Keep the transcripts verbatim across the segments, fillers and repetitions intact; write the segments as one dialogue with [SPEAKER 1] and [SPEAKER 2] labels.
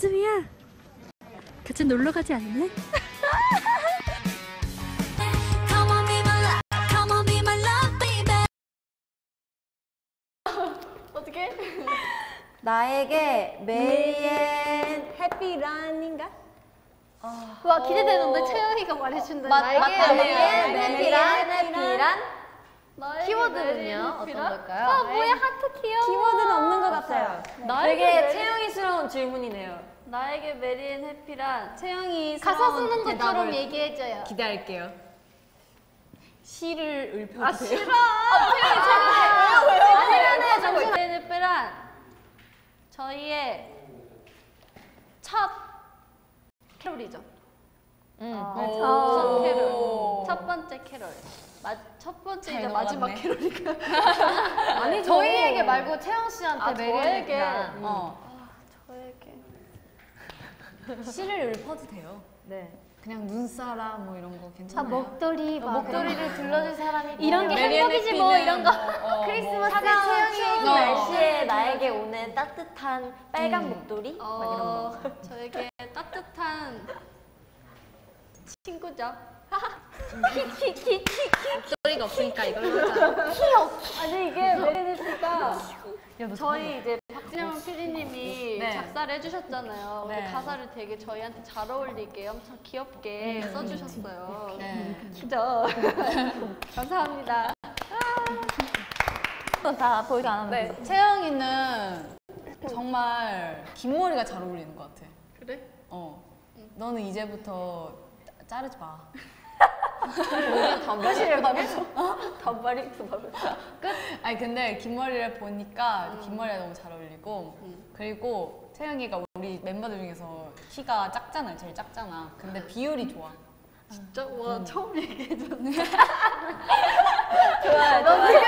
[SPEAKER 1] 언제쯤이야? 같이 놀러 가지 않을래?
[SPEAKER 2] 어떻게?
[SPEAKER 3] 나에게 메리앤
[SPEAKER 2] 해피란인가?
[SPEAKER 3] 어...
[SPEAKER 2] 와 기대되는데 채영이가 말해준다.
[SPEAKER 3] 나에게 메리앤 메리앤 해피란 키워드는요? 어떤
[SPEAKER 2] 해피란?
[SPEAKER 3] 걸까요?
[SPEAKER 2] 아 뭐야 하트 귀여워.
[SPEAKER 3] 키워드는 없는 것 같아요. 되게 채영이스러운 질문이네요.
[SPEAKER 1] 나에게 메리앤 해피란 채영이스러운
[SPEAKER 2] 가사 쓰는 것처럼
[SPEAKER 1] 대답을
[SPEAKER 2] 얘기해줘요.
[SPEAKER 1] 기대할게요. 시를 읊어도
[SPEAKER 2] 아
[SPEAKER 1] 돼요?
[SPEAKER 2] 싫어. 아 채영이 잘해.
[SPEAKER 1] 아니면은 잠시만. 메리앤 해피란 저희의 첫 캐롤이죠.
[SPEAKER 3] 응.
[SPEAKER 1] 아,
[SPEAKER 3] 오.
[SPEAKER 1] 첫 캐롤. 첫 번째 캐롤. 마, 첫 번째이자 마지막 캐롤이니까.
[SPEAKER 3] 아니
[SPEAKER 2] 저희에게 말고 채영 씨한테
[SPEAKER 1] 아,
[SPEAKER 2] 메리앤
[SPEAKER 1] 저에게.
[SPEAKER 2] 해피란.
[SPEAKER 1] 어. 아, 저에게.
[SPEAKER 4] 시를 읊어도 돼요.
[SPEAKER 3] 네.
[SPEAKER 4] 그냥 눈사람 뭐 이런 거
[SPEAKER 2] 아
[SPEAKER 4] 괜찮아요?
[SPEAKER 2] 목도리 막
[SPEAKER 3] 목도리를 둘러줄 사람이
[SPEAKER 2] 이런 게
[SPEAKER 4] 메리앤
[SPEAKER 2] 행복이지 뭐 이런 거.
[SPEAKER 4] 어,
[SPEAKER 2] 크리스마스
[SPEAKER 3] 차가운 추운
[SPEAKER 2] 채영이.
[SPEAKER 3] 날씨에 나에게 오는 따뜻한 빨간
[SPEAKER 4] 음.
[SPEAKER 3] 목도리?
[SPEAKER 1] 어,
[SPEAKER 3] 막 이런 거.
[SPEAKER 1] 저에게 따뜻한 친구죠.
[SPEAKER 4] 목소리가 없으니까 이걸로 하자.
[SPEAKER 1] 아니 이게 메리앤 씨가 저희 이제 박진영 피디님이
[SPEAKER 4] 네.
[SPEAKER 1] 작사를 해주셨잖아요.
[SPEAKER 4] 네.
[SPEAKER 1] 그 가사를 되게 저희한테 잘 어울리게 엄청 귀엽게 써주셨어요.
[SPEAKER 4] 네.
[SPEAKER 1] 그죠? 감사합니다.
[SPEAKER 3] 다 보이도 안 하면
[SPEAKER 4] 네. 채영이는 정말 긴 머리가 잘 어울리는 것 같아.
[SPEAKER 1] 그래?
[SPEAKER 4] 어. 너는 이제부터 자, 자르지 마.
[SPEAKER 3] 단발이를 가면서 단발이 그다면서
[SPEAKER 4] 끝? 아니 근데 긴 머리를 보니까 긴 머리가 너무 잘 어울리고 그리고 채영이가 우리 멤버들 중에서 키가 작잖아요. 제일 작잖아. 근데 비율이 좋아.
[SPEAKER 1] 진짜? 와 처음 얘기해줬네.
[SPEAKER 3] 좋아요. 너
[SPEAKER 1] 되게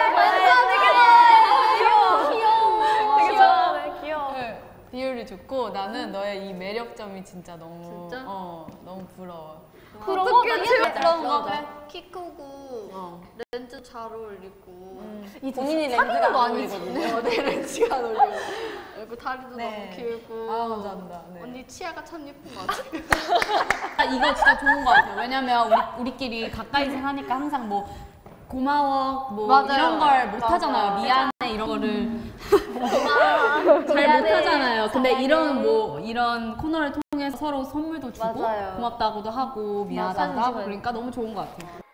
[SPEAKER 3] 귀여워. 귀여워. 되게 좋아하네. 귀여워.
[SPEAKER 4] 네, 비율이 좋고 나는 너의 이 매력점이 진짜 너무
[SPEAKER 1] 진짜?
[SPEAKER 4] 어 너무 부러워.
[SPEAKER 1] 어떻게 제가
[SPEAKER 4] 그런 거
[SPEAKER 1] 그래.
[SPEAKER 4] 그래.
[SPEAKER 1] 키 크고
[SPEAKER 4] 어.
[SPEAKER 1] 렌즈 잘 어울리고
[SPEAKER 3] 본인이 렌즈가
[SPEAKER 4] 거
[SPEAKER 3] 안
[SPEAKER 4] 아니거든요.
[SPEAKER 1] 네, 내 렌즈가 안 어울리고 그리고 다리도
[SPEAKER 4] 네.
[SPEAKER 1] 너무 길고
[SPEAKER 4] 아 감사합니다. 네.
[SPEAKER 1] 언니 치아가 참 예쁜 것 같아.
[SPEAKER 4] 아, 이거 진짜 좋은 것 같아요. 왜냐면 우리, 우리끼리 가까이서 하니까 항상 뭐 고마워 뭐
[SPEAKER 1] 맞아요.
[SPEAKER 4] 이런 걸 못 하잖아요. 미안해 이런 거를 잘 못 하잖아요. 근데
[SPEAKER 3] 사랑해.
[SPEAKER 4] 이런 뭐 이런 코너를 통해서 서로 선물도 주고
[SPEAKER 3] 맞아요.
[SPEAKER 4] 고맙다고도 하고 미안하다고
[SPEAKER 3] 사진
[SPEAKER 4] 하고
[SPEAKER 3] 찍어요.
[SPEAKER 4] 그러니까 너무 좋은 것 같아요.